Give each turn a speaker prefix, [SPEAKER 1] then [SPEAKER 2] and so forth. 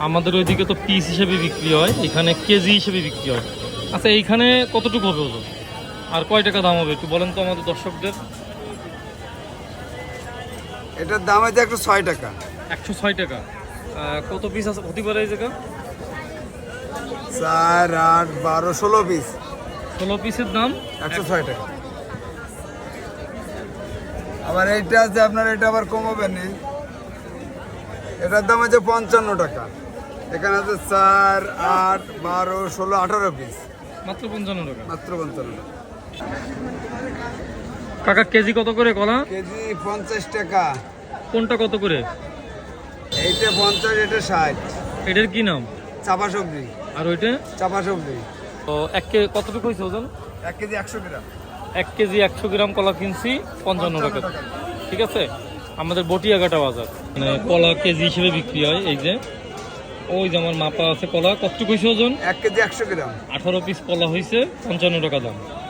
[SPEAKER 1] আমাদের ওইদিকে তো পিস হিসেবে বিক্রি হয়, এখানে কেজি হিসেবে বিক্রি হয়। আচ্ছা, এইখানে কতটুকু হবে ওজন আর কয় টাকা দাম হবে একটু বলেন তো আমাদের দর্শকদের।
[SPEAKER 2] এটার দাম আছে 106 টাকা।
[SPEAKER 1] 106 টাকা। কত পিস আছে হতে পারে এই জায়গা?
[SPEAKER 2] 4, 8, 12, 16 পিস।
[SPEAKER 1] 16 পিসের দাম
[SPEAKER 2] 106 টাকা। আবার এইটা আছে আপনার, এটা আবার কমাবে নি, এটার দাম আছে 55 টাকা। এখানে আছে 4, 8, 12, 16, 18 পিস।
[SPEAKER 1] মাত্র 55 টাকা।
[SPEAKER 2] মাত্র 55 টাকা।
[SPEAKER 1] কাকা কেজি কত করে কলা?
[SPEAKER 2] কেজি 50 টাকা।
[SPEAKER 1] কোনটা কত করে?
[SPEAKER 2] এইটা 50, এটা 60।
[SPEAKER 1] এটার কি নাম?
[SPEAKER 2] চাপা সবজি।
[SPEAKER 1] আর ওইটা?
[SPEAKER 2] চাপা সবজি।
[SPEAKER 1] তো কতটুকু হয়েছে ওজন?
[SPEAKER 2] 1 কেজি 100 গ্রাম।
[SPEAKER 1] 1 কেজি 100 গ্রাম কলা কিনছি 55 টাকা। ঠিক আছে, আমাদের বটিয়াঘাটা বাজার মানে কলা কেজি হিসেবে বিক্রি হয়। এই যে ওই যে আমার মাপা আছে কলা, কতটুকু হয়েছে ওজন?
[SPEAKER 2] 1 কেজি 100 গ্রাম।
[SPEAKER 1] 18 পিস কলা হয়েছে 55 টাকা দাম।